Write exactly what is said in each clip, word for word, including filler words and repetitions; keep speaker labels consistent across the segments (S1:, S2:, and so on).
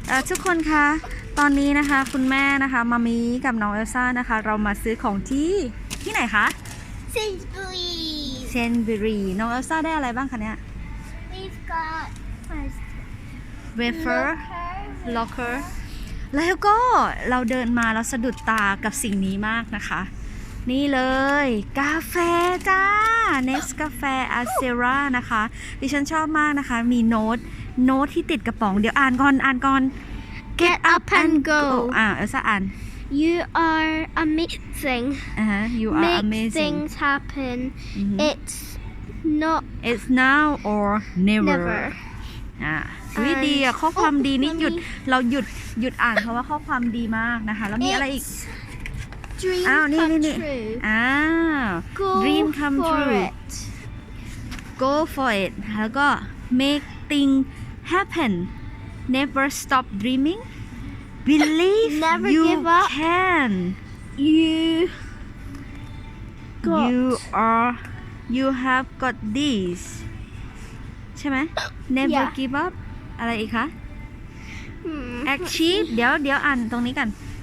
S1: เอ่อทุกคนคะตอนนี้นะคะคุณแม่นะคะมามีกับน้องเอลซ่านะคะเรามาซื้อของที่ที่ไหนคะ
S2: เซนบุรี
S1: เซนบิรีน้องเอลซ่าได้อะไรบ้างคะเนี่ย
S2: We've got first
S1: เวเฟอร์ล็อกเกอร์แล้วก็เราเดินมาแล้วสะดุดตากับสิ่งนี้มากนะคะ นี่เลยกาแฟจ้าเนสกาแฟอาเซรานะคะดิฉันชอบมากนะคะมีโน้ตโน้ตที่ติดกระป๋องเดี๋ยวอ่านก่อนอ่านก่อน
S2: Get up and go
S1: อ่าเอลซ่าอ่าน
S2: You are amazing
S1: อ่าฮะ you are
S2: Make
S1: amazing
S2: things happen It's not
S1: it's now or never
S2: never
S1: อ่าวิดีอ่ะข้อความดีนี่หยุดเราหยุดหยุดอ่านเพราะว่าข้อความดีมากนะคะแล้วมีอะไรอีก
S2: Dream
S1: อ้าวนี่
S2: come
S1: นี่นี่
S2: true
S1: อ้าว
S2: Go
S1: dream come
S2: for
S1: true
S2: it
S1: go for it แล้วก็ make things happen never stop dreaming believe
S2: Never
S1: you
S2: give up.
S1: can
S2: You got
S1: you are you have got this ใช่ไหม never
S2: Yeah.
S1: give up อะไรอีกคะ
S2: Hmm.
S1: achieve เดี๋ยวเดี๋ยวอ่านตรงนี้กัน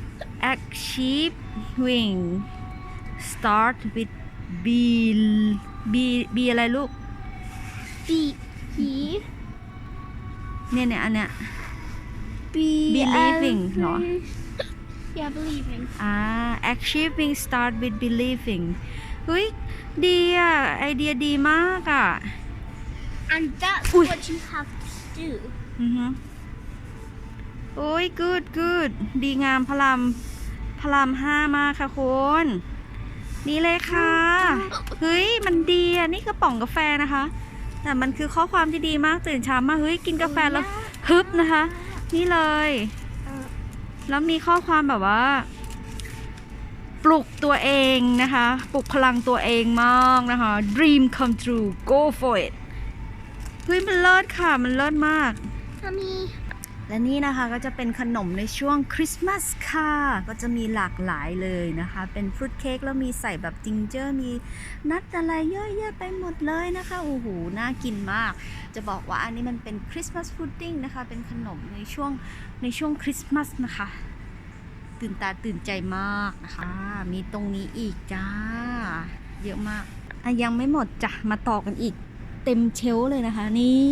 S1: achieving start with be be be อะไรลูก
S2: Be Be
S1: เนี่ยเนี่ยอันเนี้ย
S2: Be
S1: Believing เหรอ
S2: Yeah believing
S1: อ่า achieving start with believing เฮ้ยดีอ่ะไอเดียดีมากอ่ะ
S2: And that's
S1: Ui.
S2: what you have to do
S1: อือฮึโอ้ย good good ดีงามพลามพลามห้ามากค่ะคุณนี่เลยค่ะ เฮ้ย มันดีอ่ะ นี่กระป๋องกาแฟนะคะ แต่มันคือข้อความที่ดีมากตื่นเช้ามาเฮ้ย กินกาแฟแล้วฮึบนะคะ นี่เลย แล้วมีข้อความแบบว่า ปลุกตัวเองนะคะ ปลุกพลังตัวเองมากนะคะ dream come true go for it เฮ้ย มันเลิศค่ะ มันเลิศมาก
S2: Mommy
S1: และนี่นะคะก็จะเป็นขนมในช่วงคริสต์มาสค่ะก็จะมีหลากหลายเลยนะคะเป็นฟรุตเค้กแล้วมีใส่แบบจิงเจอร์มีนัทอะไรเยอะแยะไปหมดเลยนะคะโอ้โหน่ากินมากจะบอกว่าอันนี้มันเป็นคริสต์มาสพุดดิ้งนะคะเป็นขนมในช่วงในช่วงคริสต์มาสนะคะตื่นตาตื่นใจมากนะคะมีตรงนี้อีกจ้าเยอะมากอ่ะยังไม่หมดจ้ะมาต่อกันอีกเต็มเชลฟ์เลยนะคะนี่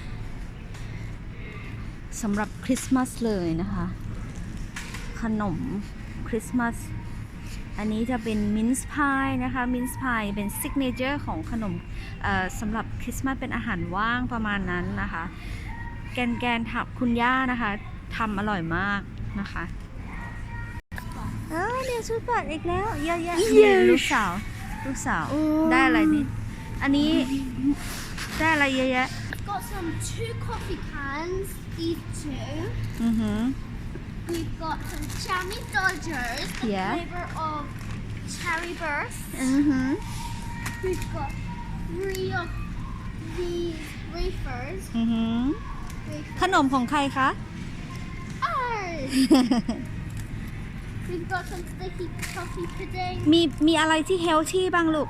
S1: สำหรับคริสต์มาสเลยนะคะขนมคริสต์มาสอันนี้จะเป็นมินซ์พายนะคะมินซ์พายเป็นซิกเนเจอร์ของขนมสำหรับคริสต์มาสเป็นอาหารว่างประมาณนั้นนะคะแกนแกนทับคุณย่านะคะทำอร่อยมากนะคะเออเดี๋ยวชุดบัตรอีกแล้วเยอะแยะลูกสาวลูกสาวได้อะไรนี่อันนี้ได้อะไรเยอะแยะ
S2: got some two coffee cans these two
S1: อือหือ
S2: we've got some jammy dodgers the
S1: Yeah.
S2: flavor of cherry burst
S1: อือหือ
S2: we've got three of these wafers
S1: อือหือ
S2: wafers
S1: ขนมของใครคะ
S2: ours we've got some sticky toffee pudding
S1: มีมีอะไรที่เฮลที่บ้างลูก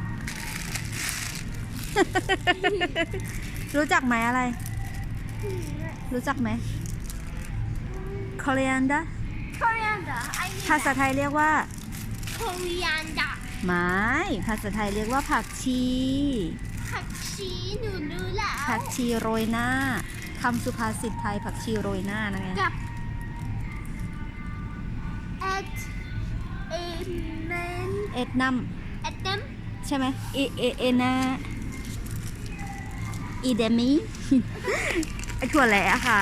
S1: รู้จักไหมอะไร รู้จักไหม coriander
S2: coriander I knew
S1: ภาษาไทยเรียกว่า
S2: coriander
S1: ไม้ภาษาไทยเรียกว่าผักชี
S2: ผักชีหนูรู้แล้ว
S1: ผักชีโรยหน้าคำสุภาษิตไทยผักชีโรยหน้านะไง
S2: กับเอ็ดเอเมน
S1: เอ็ดนัม
S2: เอ็ดเดม
S1: ใช่ไหมเอเอเอนาอีเดมี ไอถั่วแหละค่ะ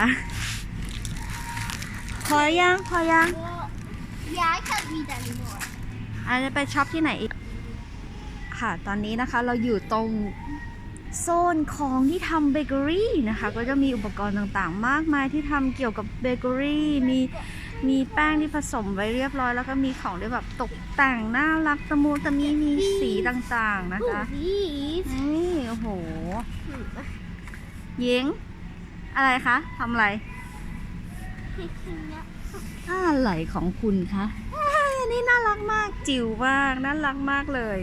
S1: พอยังพอยัง
S2: Yeah, I can't read anymore.
S1: อาจจะไปช็อปที่ไหนอีกค่ะตอนนี้นะคะเราอยู่ตรงโซนของที่ทำเบเกอรี่นะคะก็จะมีอุปกรณ์ต่างๆมากมายที่ทำเกี่ยวกับเบเกอรี่มีมีแป้งที่ผสมไว้เรียบร้อยแล้วก็มีของที่แบบตกแต่งน่ารักตะมูตะมีมีสีต่างๆนะคะ
S2: Oh, these.
S1: นี่โอ้โหเย้งอะไรคะทำอะไร
S2: Picking up.
S1: อะไรของคุณคะอ้ายอันนี้น่ารักมากจิ๋วมากน่ารักมากเลย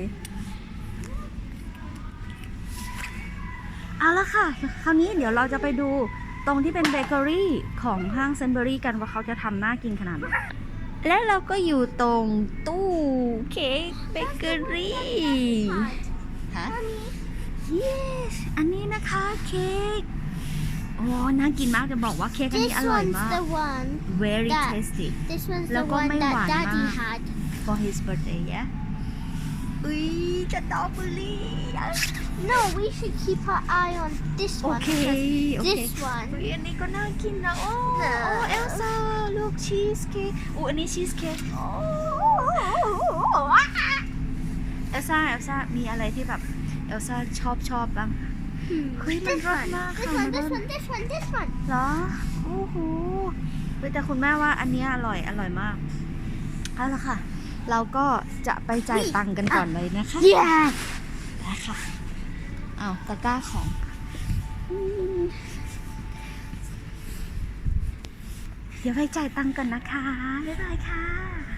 S1: เอาละค่ะคราวนี้เดี๋ยวเราจะไปดูตรงที่เป็นเบเกอรี่ของห้างเซนเบอรี่กันว่าเขาจะทำน่ากินขนาดไหนและเราก็อยู่ตรงตู้เค้กเบเกอรี่ฮะ yes อันนี้นะคะเค้กโอ้น่ากินมากจะบอกว่าเค้กอัน
S2: This
S1: นี้อร่อย
S2: one's
S1: มาก
S2: the one.
S1: very
S2: that-
S1: tasty
S2: This one's the
S1: แล้วก็
S2: one
S1: ไม่
S2: that
S1: หวาน
S2: Daddy
S1: มาก
S2: had.
S1: for his birthday yeah อุ้ยสตรอเบอรี่
S2: No, we should keep our eye on this
S1: โอ
S2: one.
S1: เค
S2: because
S1: โอเค
S2: This one.
S1: อุ้ยอันนี้ก็น่ากินนะโอ้โอ้เอลซ่าลูกชีสเค้กอู้อันนี้ชีสเค้กโอ้เอลซ่าเอลซ่ามีอะไรที่แบบเอลซ่าชอบชอบบ้าง
S2: Hmm.
S1: Hui,
S2: This
S1: man,
S2: one.
S1: ma,
S2: This
S1: ka,
S2: one. This
S1: man.
S2: one. This one. This one.
S1: เหรอโอ้โหเฮ้ยแต่คุณแม่ว่าอันเนี้ยอร่อยอร่อยมากเอาละค่ะ เราก็จะไปจ่ายตังค์กันก่อนเลยนะคะ
S2: Yeah.
S1: ได้ค่ะเอาตะกร้าของอืมเดี๋ยวไปจ่ายตังค์กันนะคะบ๊ายบายค่ะ